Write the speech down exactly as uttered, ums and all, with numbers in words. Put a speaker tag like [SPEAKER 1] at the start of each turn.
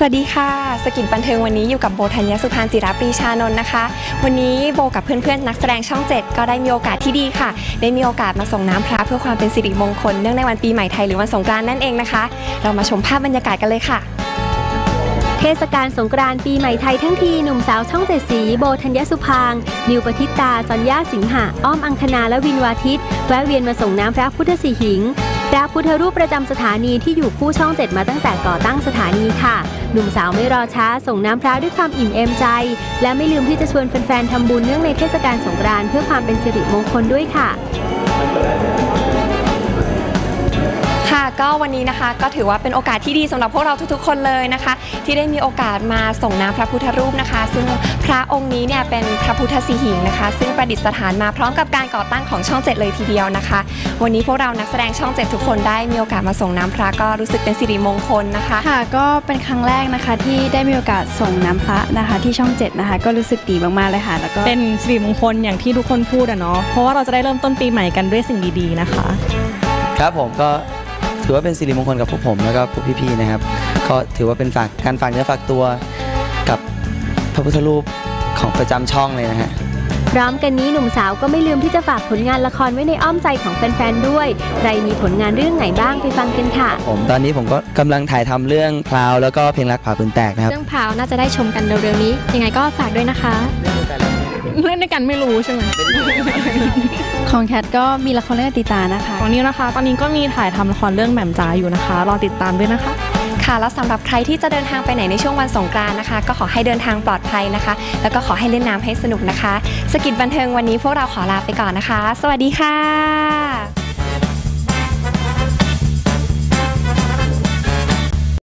[SPEAKER 1] วัสดีค่ะสกิจบันเทิงวันนี้อยู่กับโบธัญญสุพรรณจิรปรีชานนท์นะคะวันนี้โบกับเพื่อนๆนักแสดงช่องเจ็ดก็ได้มีโอกาสที่ดีค่ะได้มีโอกาสมาส่งน้ำพระเพื่อความเป็นสิริมงคลเนื่องในวันปีใหม่ไทยหรือวันสงกรานต์นั่นเองนะคะเรามาชมภาพบรรยากาศกันเลยค่ะ
[SPEAKER 2] เทศกาลสงกรานต์ปีใหม่ไทยทั้งทีหนุ่มสาวช่องเจ็ดสีโบธัญญสุพรรณนิวปฏิตาสัญญาสิงหะอ้อมอังคณาและวินวาทิตแวะเวียนมาส่งน้ำพระพุทธสีหิงพระพุทธรูปประจำสถานีที่อยู่คู่ช่องเจ็ดมาตั้งแต่ก่อตั้งสถานีค่ะหนุ่มสาวไม่รอช้าส่งน้ำพระด้วยความอิ่มเอมใจและไม่ลืมที่จะชวนแฟนๆทำบุญเนื่องในเทศกาลสงกรานต์เพื่อความเป็นสิริมงคลด้วยค่ะ
[SPEAKER 1] ค่ะก็วันนี้นะคะก็ถือว่าเป็นโอกาสที่ดีสำหรับพวกเราทุกๆคนเลยนะคะที่ได้มีโอกาสมาส่งน้ำพระพุทธรูปนะคะซึ่งพระองค์นี้เนี่ยเป็นพระพุทธสีหิงนะคะซึ่งประดิษฐานมาพร้อมกับการก่อตั้งของช่องเจ็ดเลยทีเดียวนะคะวันนี้พวกเรานักแสดงช่องเจ็ดทุกคนได้มีโอกาสมาส่งน้ำพระก็รู้สึกเป็นสิริมงคลนะคะ
[SPEAKER 3] ค่ะก็เป็นครั้งแรกนะคะที่ได้มีโอกาสส่งน้ำพระนะคะที่ช่องเจ็ดนะคะก็รู้สึกดีมากๆเลยค่ะแล้วก็
[SPEAKER 4] เป็นสิริมงคลอย่างที่ทุกคนพูดอะเนาะเพราะว่าเราจะได้เริ่มต้นปีใหม่กันด้วยสิ่งดีๆนะคะ
[SPEAKER 5] ครับผมก็ถือว่าเป็นสิริมงคลกับพวกผมแล้วก็พวกพี่ๆนะครับก็ถือว่าเป็นฝากการฝากเนื้อฝากตัวกับพระพุทธรูปของประจำช่องเลยนะฮะ
[SPEAKER 2] พร้อมกันนี้หนุ่มสาวก็ไม่ลืมที่จะฝากผลงานละครไว้ในอ้อมใจของแฟนๆด้วยใครมีผลงานเรื่องไหนบ้างไปฟังกันค่ะ
[SPEAKER 5] ผมตอนนี้ผมก็กำลังถ่ายทำเรื่องพราวแล้วก็เพลงรักผ่าปืนแตกนะครับ
[SPEAKER 6] เรื่องพราวน่าจะได้ชมกันเร็วๆนี้ยังไงก็ฝากด้วยนะคะ
[SPEAKER 4] เล่นด้วยกันไม่รู้ใช่ไหม
[SPEAKER 3] ของแคทก็มีละครเรื่องติตานะคะ
[SPEAKER 4] ของนิวนะคะตอนนี้ก็มีถ่ายทำละครเรื่องแหม่มจ๋าอยู่นะคะรอติดตามด้วยนะคะ
[SPEAKER 1] ค่ะแล้วสำหรับใครที่จะเดินทางไปไหนในช่วงวันสงกรานต์นะคะก็ขอให้เดินทางปลอดภัยนะคะแล้วก็ขอให้เล่นน้ำให้สนุกนะคะสกิจบันเทิงวันนี้พวกเราขอลาไปก่อนนะคะสวัสดีค่ะ